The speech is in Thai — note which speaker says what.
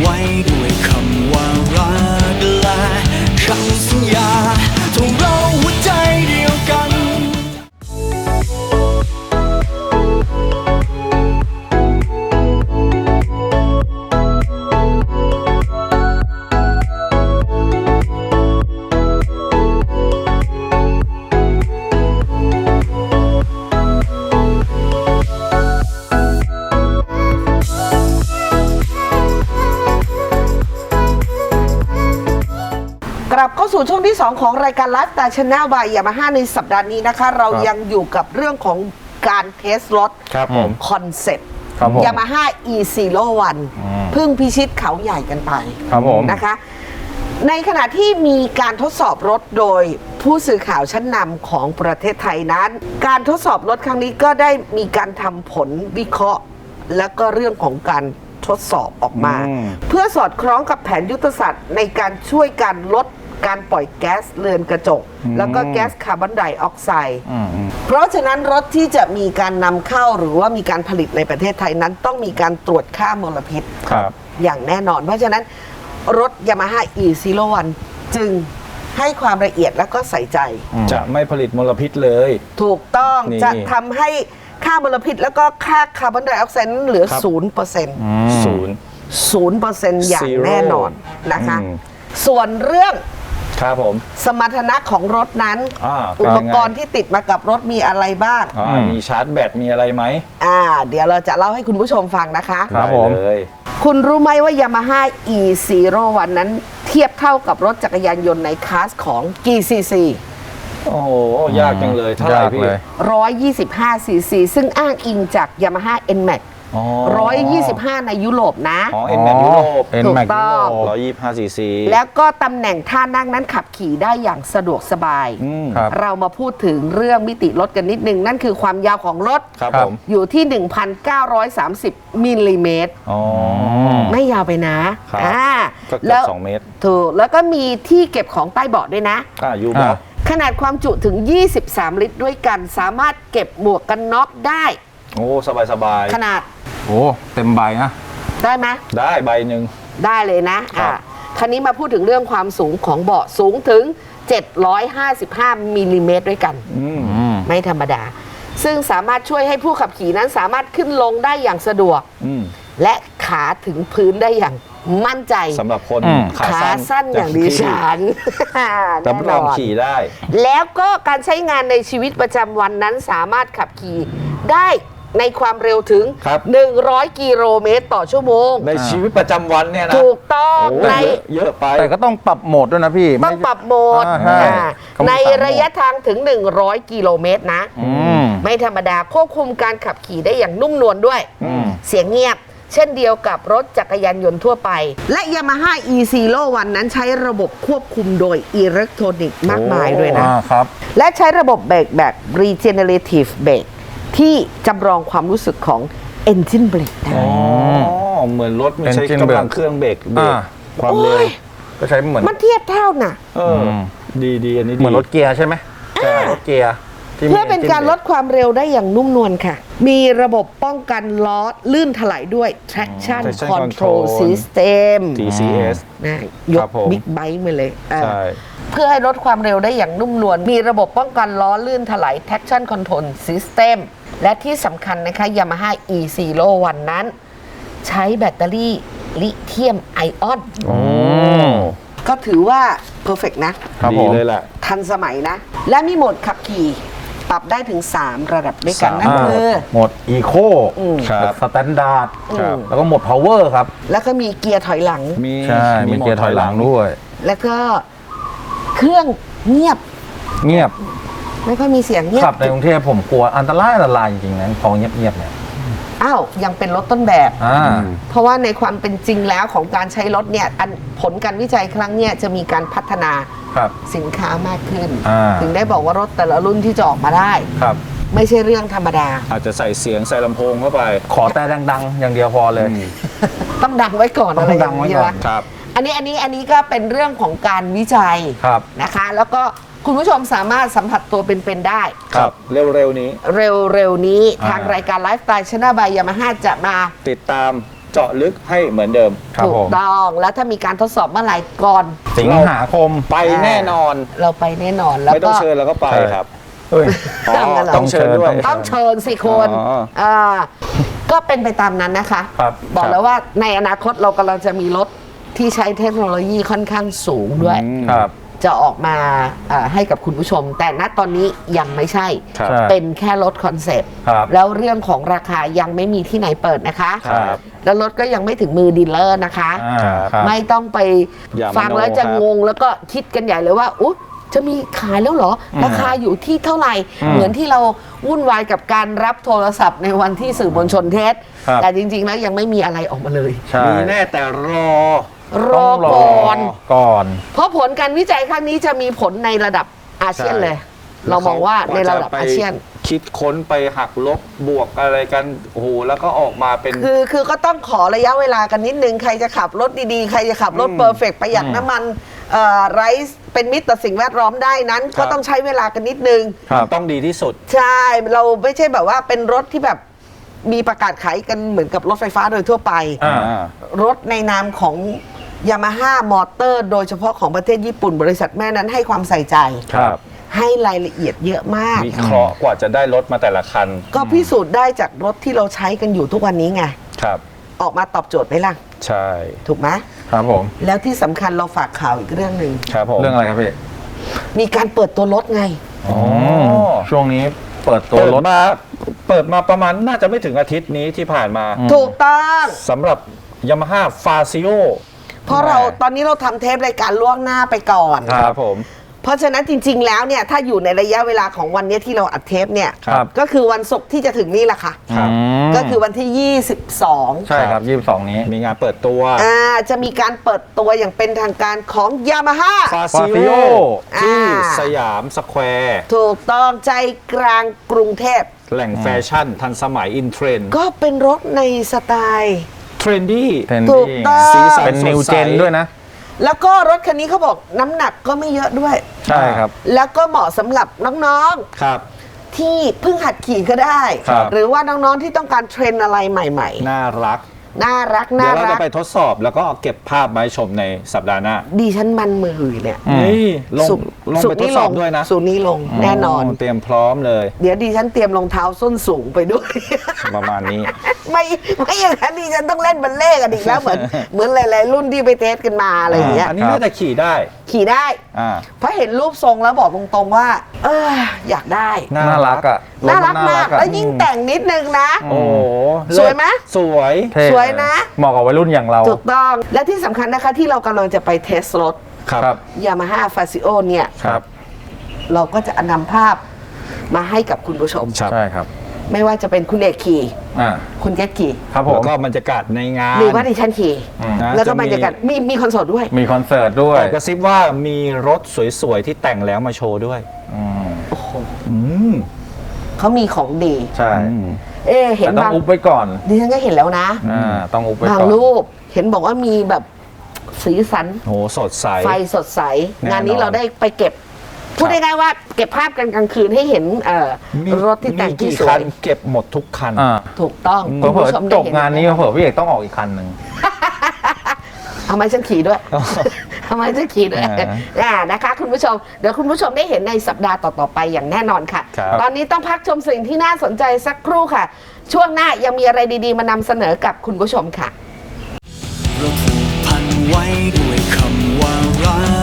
Speaker 1: ไว้ด้วยคำว่ารักและคำสัญญาทงเราหัวใจเดียวกัน
Speaker 2: กลับเข้าสู่ช่วงที่ 2 ของรายการ Lifestyle Channel by Yamaha ในสัปดาห์นี้นะคะเรายังอยู่กับเรื่องของการเทสรถคอนเซ็ปต์ Yamaha E01 เพิ่งพิชิตเขาใหญ่กันไปนะคะในขณะที่มีการทดสอบรถโดยผู้สื่อข่าวชั้นนำของประเทศไทยนั้นการทดสอบรถครั้งนี้ก็ได้มีการทำผลวิเคราะห์และก็เรื่องของการทดสอบออกมาเพื่อสอดคล้องกับแผนยุทธศาสตร์ในการช่วยการลดการปล่อยแก๊สเรือนกระจกแล้วก็แก๊สคาร์บอนไดออกไซด์เพราะฉะนั้นรถที่จะมีการนำเข้าหรือว่ามีการผลิตในประเทศไทยนั้นต้องมีการตรวจค่ามลพิษอย่างแน่นอนเพราะฉะนั้นรถ Yamaha E01 จึงให้ความละเอียดและก็ใส่ใจ
Speaker 3: จะไม่ผลิตมลพิษเลย
Speaker 2: ถูกต้องจะทำให้ค่ามลพิษแล้วก็ค่าคาร์บอนไดออกไซด์นั้นเหลือ 0% อย่างแน่นอนนะคะส่วนเรื่องสมรรถนะของรถนั้นอุปกรณ์ที่ติดมากับรถมีอะไรบ้าง
Speaker 3: มีชาร์จแบตมีอะไรไหม
Speaker 2: เดี๋ยวเราจะเล่าให้คุณผู้ชมฟังนะคะ
Speaker 3: ครับผม
Speaker 2: คุณรู้ไหมว่า Yamaha E01 นั้นเทียบเท่ากับรถจักรยานยนต์ในคลาสของกี่ซีซี
Speaker 3: โอ้โหยากจังเลยเท่าไหร่พี่
Speaker 2: 125 ซีซี ซึ่งอ้างอิงจาก Yamaha NMAX 125 ในยุโรปนะ
Speaker 3: NMAX ยุโรป
Speaker 2: ถูกต้อง
Speaker 3: 125 ซีซี
Speaker 2: แล้วก็ตำแหน่งท่านั่งนั้นขับขี่ได้อย่างสะดวกสบายเรามาพูดถึงเรื่องมิติรถกันนิดนึงนั่นคือความยาวของรถอยู่ที่ 1,930 มิลลิเมตรไม่ยาวไปนะ
Speaker 3: แล้ว2 เมตร
Speaker 2: ถูกแล้วก็มีที่เก็บของใต้เบาะด้วยนะ
Speaker 3: ยูเบาะ
Speaker 2: ขนาดความจุถึง23 ลิตรด้วยกันสามารถเก็บหมวกกันน็อกได้
Speaker 3: โอ้สบาย
Speaker 2: ขนาด
Speaker 3: โอ้เต็มใบนะ
Speaker 2: ได้ไหม
Speaker 3: ได้ใบหนึ่ง
Speaker 2: ได้เลยนะคันนี้มาพูดถึงเรื่องความสูงของเบาะสูงถึง755 มิลลิเมตรด้วยกันไม่ธรรมดาซึ่งสามารถช่วยให้ผู้ขับขี่นั้นสามารถขึ้นลงได้อย่างสะดวกและขาถึงพื้นได้อย่างมั่นใจ
Speaker 3: สำหรับคน
Speaker 2: ขาสั้นอย่างดิฉัน
Speaker 3: แน่นอนขี่ได้
Speaker 2: แล้วก็การใช้งานในชีวิตประจำวันนั้นสามารถขับขี่ได้ในความเร็วถึง100 กิโลเมตรต่อชั่วโมง
Speaker 3: ในชีวิตประจำวันเนี่ยนะ
Speaker 2: ถูกต้องใน
Speaker 3: เยอะไป
Speaker 4: แต่ก็ต้องปรับโหมดด้วยนะพี่
Speaker 2: ต้องปรับโหมดในระยะทางถึง100 กิโลเมตรนะไม่ธรรมดาควบคุมการขับขี่ได้อย่างนุ่มนวลด้วยเสียงเงียบเช่นเดียวกับรถจักรยานยนต์ทั่วไปและ Yamaha E01 นั้นใช้ระบบควบคุมโดยอิเล็กทรอนิกส์มากมายด้วยนะครับและใช้ระบบเบรกแบบ Regenerative Brake ที่จำลองความรู้สึกของ Engine Brake ได้
Speaker 3: เหมือนรถไม่ใช่กำลังเครื่องเบรกความเร็ว
Speaker 4: ก็ใช้เหมือน
Speaker 2: มันเทียบเท่าน่ะ
Speaker 3: ดีอันนี้
Speaker 4: เหมือนรถเกียร์ใช่ไหมรถเกียร์
Speaker 2: เพื่อเป็นการลดความเร็วได้อย่างนุ่มนวลค่ะมีระบบป้องกันล้อลื่นถลายด้วย Traction Control System
Speaker 3: TCS
Speaker 2: นะยกบิ๊กไบค์มาเลยเพื่อให้ลดความเร็วได้อย่างนุ่มนวลมีระบบป้องกันล้อลื่นถลาย Traction Control System และที่สำคัญนะคะ Yamaha E01 นั้นใช้แบตเตอรี่ลิเธียมไอออนก็ถือว่าเพอร์เฟกต์นะ
Speaker 3: ดีเลยแหละ
Speaker 2: ทันสมัยนะและมีโหมดขับขี่ปรับได้ถึง3ระดับด้วยกันนั่นคือ
Speaker 4: โหมดอีโคสแตนดาร์ดแล้วก็โหมดพาวเวอร์ครับ
Speaker 2: แล้วก็มีเกียร์ถอยหลัง
Speaker 4: มีเกียร์ถอยหลังด้วย
Speaker 2: แล้วก็เครื่องเงียบไม่ค่อยมีเสียงเงียบ
Speaker 4: ขับในกรุงเทพผมกลัวอันตรายจริงๆนะพอเงียบเนี่ย
Speaker 2: ยังเป็นรถต้นแบบเพราะว่าในความเป็นจริงแล้วของการใช้รถเนี่ยผลการวิจัยครั้งนี้จะมีการพัฒนาสินค้ามากขึ้นถึงได้บอกว่ารถแต่ละรุ่นที่จะออกมาได้ไม่ใช่เรื่องธรรมดา
Speaker 3: อาจจะใส่เสียงใส่ลำโพงเข้าไป
Speaker 4: ขอแต่ดังๆอย่างเดียวพอเลย
Speaker 2: ต้องดังไว้ก่อนอะไรอย่างนี้
Speaker 3: ครับ
Speaker 2: อันนี้ก็เป็นเรื่องของการวิจัยนะคะแล้วก็คุณผู้ชมสามารถสัมผัสตัวเป็นๆได้
Speaker 3: ครับเร็วๆนี้
Speaker 2: ทางรายการ Lifestyle Channel by Yamaha จะมา
Speaker 3: ติดตามเจาะลึกให้เหมือนเดิม
Speaker 4: ครับ
Speaker 2: ถู
Speaker 4: ผ
Speaker 2: ก
Speaker 4: ม
Speaker 2: ต้องแล้วถ้ามีการทดสอบเมื่อไหร่ก่อน
Speaker 4: สิงหาคม
Speaker 3: ไปแน่นอน
Speaker 2: เราไปแน่นอนแล้ว
Speaker 3: ไม่ต้
Speaker 2: ก็
Speaker 3: องเชิญเราก็ไป
Speaker 4: ใช่
Speaker 3: ครับ
Speaker 4: เฮ้ย
Speaker 3: อ๋อ
Speaker 2: ต้องเชิญ
Speaker 3: ต้องเชิญด้วย
Speaker 2: ต้องเชิญสิคุณ
Speaker 3: อ๋ออ่
Speaker 2: ก็เป็นไปตามนั้นนะคะ
Speaker 4: ครับ
Speaker 2: บอก
Speaker 4: ครับ
Speaker 2: แล้วว่าในอนาคตเรากำลังจะมีรถที่ใช้เทคโนโลยีค่อนข้างสูงด้วย
Speaker 4: ครับ
Speaker 2: จะออกมาให้กับคุณผู้ชม แต่ณตอนนี้ยังไม่ใช่
Speaker 3: ครับ
Speaker 4: ใช่
Speaker 2: เป็นแค่รถคอนเซปต์
Speaker 4: ครับ
Speaker 2: แล้วเรื่องของราคายังไม่มีที่ไหนเปิดนะคะ
Speaker 3: ครับ
Speaker 2: แล้วรถก็ยังไม่ถึงมือดีลเลอร์นะคะ
Speaker 4: ครับ
Speaker 2: ไม่ต้องไป
Speaker 3: อย่ามา
Speaker 2: ฟังแล้วจะ
Speaker 3: โน้ครับ
Speaker 2: งงแล้วก็คิดกันใหญ่เลยว่าอุ๊ยจะมีขายแล้วเหรอ ราคาอยู่ที่เท่าไหร่ เหมือนที่เราวุ่นวายกับการรับโทรศัพท์ในวันที่สื่อมวลชนเทส
Speaker 4: ครับ
Speaker 2: แต่จริงๆแล้วยังไม่มีอะไรออกมาเลย
Speaker 4: ใช่
Speaker 3: มีแน่แต่รอ
Speaker 2: รอ
Speaker 4: ต้องร
Speaker 2: ก่อน
Speaker 4: ก่อน
Speaker 2: เพราะผลการวิจัยครั้งนี้จะมีผลในระดับอาเซียนเลย เรามองว่าในระดับอาเซียน
Speaker 3: คิดค้นไปหักลบบวกอะไรกันโอ้โหแล้วก็ออกมาเป็น
Speaker 2: คือก็ต้องขอระยะเวลากันนิดนึง ใครจะขับรถดีๆ ใครจะขับรถเพอร์เฟกประหยัดน้ำมันไรซ์เป็นมิตรต่อสิ่งแวดล้อมได้นั้น
Speaker 3: ครับ
Speaker 2: ก็ต้องใช้เวลากันนิดนึง
Speaker 4: ครับ
Speaker 3: ต้องดีที่สุด
Speaker 2: ใช่ เราไม่ใช่แบบว่าเป็นรถที่แบบมีประกาศขายกันเหมือนกับรถไฟฟ้าโดยทั่วไป
Speaker 4: อ่า
Speaker 2: รถในนามของยามาฮ่ามอเตอร์โดยเฉพาะของประเทศญี่ปุ่นบริษัทแม่นั้นให้ความใส่ใจ
Speaker 3: ครับ
Speaker 2: ให้รายละเอียดเยอะมาก
Speaker 3: วิเคราะห์กว่าจะได้รถมาแต่ละคัน
Speaker 2: ก็พิสูจน์ได้จากรถที่เราใช้กันอยู่ทุกวันนี้ไง
Speaker 3: ครับ
Speaker 2: ออกมาตอบโจทย์ไหมล่ะ
Speaker 3: ใช่
Speaker 2: ถูกไหม
Speaker 4: ครับผม
Speaker 2: แล้วที่สำคัญเราฝากข่าวอีกเรื่องหนึ่ง
Speaker 3: ครับผม
Speaker 4: เรื่องอะไรครับพี่
Speaker 2: มีการเปิดตัวรถไง
Speaker 3: อ๋อ
Speaker 4: ช่วงนี้เปิดตัว
Speaker 3: เปิด
Speaker 4: รถ
Speaker 3: มาประมาณน่าจะไม่ถึงอาทิตย์นี้ที่ผ่านมา
Speaker 2: ถูกต้อง
Speaker 3: สำหรับ Yamaha Fazio
Speaker 2: เพราะเราตอนนี้เราทำเทปรายการล่วงหน้าไปก่อน
Speaker 3: ครับผม
Speaker 2: เพราะฉะนั้นจริง ๆ แล้วเนี่ยถ้าอยู่ในระยะเวลาของวันนี้ที่เราอัดเทปเนี่ย
Speaker 4: ครับ
Speaker 2: ก็คือวันศุกร์ที่จะถึงนี่แหละค่ะ
Speaker 3: ครับ
Speaker 2: ก็คือวันที่ 22
Speaker 4: ใช่ครับ 22 นี้
Speaker 3: มีงานเปิดตัว
Speaker 2: จะมีการเปิดตัวอย่างเป็นทางการของ Yamaha
Speaker 3: Fazio ที่
Speaker 2: อ่า
Speaker 3: สยามสแควร์
Speaker 2: ถูกต้องใจกลางกรุงเทพ
Speaker 3: แหล่งแฟชั่นทันสมัยอินเทรนด์
Speaker 2: ก็เป็นรถในสไตล์
Speaker 3: เทรนดี้
Speaker 2: ถูกต้อง
Speaker 3: สีสัน
Speaker 4: เป็นนิว
Speaker 3: สดใส
Speaker 4: เจนด้วยนะ
Speaker 2: แล้วก็รถคันนี้เขาบอกน้ำหนักก็ไม่เยอะด้วย
Speaker 4: ใช่ครับ
Speaker 2: แล้วก็เหมาะสำหรับน้อง
Speaker 3: ครับ
Speaker 2: ๆ ที่เพิ่งหัดขี่ก็ได้
Speaker 4: ครับ
Speaker 2: หรือว่าน้องๆที่ต้องการเทรนอะไรใหม่
Speaker 3: น่ารัก
Speaker 2: ๆ น่ารัก
Speaker 3: เดี๋
Speaker 2: น่า
Speaker 3: ยวเรา
Speaker 2: รั
Speaker 3: จะ
Speaker 2: ก
Speaker 3: ไปทดสอบแล้วก็เก็บภาพมาให้ชมในสัปดาห์หน้า
Speaker 2: ดิฉันมันมือเนี่ย
Speaker 3: นี่ลง
Speaker 2: ศุกร์
Speaker 3: ลง
Speaker 2: ศุ
Speaker 3: ไป
Speaker 2: กร์
Speaker 3: ทด
Speaker 2: นี้
Speaker 3: ส
Speaker 2: ล
Speaker 3: อบ
Speaker 2: ง
Speaker 3: ด้วยนะ
Speaker 2: ศุกร์นี้ลงแน่นอน
Speaker 3: เตรียมพร้อมเลย
Speaker 2: เดี๋ยวดิฉันเตรียมรองเท้าส้นสูงไปด้วย
Speaker 3: ประมาณนี้
Speaker 2: ไม่อย่างนั้นดิฉันต้องเล่นบัลเล่ต์กันอีกแล้วเหมือนหลายๆรุ่นที่ไปเทสกันมาอะไรอย่างเงี้ย
Speaker 3: อันนี้น่าจะขี่ได้
Speaker 2: ขี่ได้
Speaker 3: อ่า
Speaker 2: เพราะเห็นรูปทรงแล้วบอกตรงๆว่า อยากได้
Speaker 3: น่า
Speaker 4: น่ารักอ่ะ
Speaker 2: น่ารักมาก
Speaker 4: อะ
Speaker 2: แล้วยิ่งแต่งนิดนึงนะ
Speaker 3: โอ้โห
Speaker 2: สวยไหม
Speaker 3: สวย
Speaker 4: เท่
Speaker 2: สวยนะ
Speaker 4: เหมาะกับวัยรุ่นอย่างเรา
Speaker 2: ถูกต้องและที่สำคัญนะคะที่เรากำลังจะไปเทสรถ
Speaker 3: ครับ
Speaker 2: Yamaha Fazio เนี่ย
Speaker 3: ครับ
Speaker 2: เราก็จะนำภาพมาให้กับคุณผู้ชม
Speaker 3: ครับ
Speaker 4: ใช่ครับ
Speaker 2: ไม่ว่าจะเป็นคุณเอกขี่
Speaker 4: อ่า
Speaker 2: คุณแก๊กขี่
Speaker 4: ครับผ
Speaker 3: แล้
Speaker 4: ม
Speaker 3: วก็บรรยากาศในงาน
Speaker 2: หรือว่าดิฉันขี่
Speaker 3: นะ
Speaker 2: แล้วก็
Speaker 3: จะ
Speaker 2: บรรยากาศมีคอนเสิร์ตด้วย
Speaker 4: มีคอนเสิร์ตด้วย
Speaker 3: แต่กระซิบว่ามีรถสวยๆที่แต่งแล้วมาโชว์ด้วย
Speaker 4: อืม
Speaker 3: อืม
Speaker 2: เขามีของดี
Speaker 4: ใช่
Speaker 2: เห็น
Speaker 4: แต่ต้อง
Speaker 2: บาง
Speaker 4: อุบไว้ก่อน
Speaker 2: ดิฉันก็เห็นแล้วนะ
Speaker 4: ต้องอุบไว้
Speaker 2: บาง
Speaker 4: ก่อน
Speaker 2: รูปเห็นบอกว่ามีแบบสีสัน
Speaker 3: โหสดใส
Speaker 2: ไฟสดใส
Speaker 3: แน่นอน
Speaker 2: งานนี้เราได้ไปเก็บ พูดง่ายๆว่าเก็บภาพกันกลางคืนให้เห็นรถที่แต่งที่
Speaker 3: กี่
Speaker 2: สว
Speaker 3: คั
Speaker 2: ย
Speaker 3: นเก็บหมดทุกคัน
Speaker 4: อ่า
Speaker 2: ถูกต้อง
Speaker 4: เผื่
Speaker 2: คุณ
Speaker 4: อ
Speaker 2: ผู้ชม
Speaker 4: ๆ
Speaker 2: ได้
Speaker 4: จบ
Speaker 2: เห็
Speaker 4: งานนี้เผื่อพี่เอกต้องออกอีกคันหนึ่ง
Speaker 2: เอาไม้ฉันขี่ด้วย ทำไมฉันขี่ด้วย นะคะคุณผู้ชมเดี๋ยวคุณผู้ชมได้เห็นในสัปดาห์ต่อๆไปอย่างแน่นอนค่ะ
Speaker 3: ครับ
Speaker 2: ตอนนี้ต้องพักชมสิ่งที่น่าสนใจสักครู่ค่ะ ช่วงหน้ายังมีอะไรดีๆ มานำเสนอกับคุณผู้ชมค่ะ
Speaker 1: เราผูกพันไว้ด้วยคำว่ารัก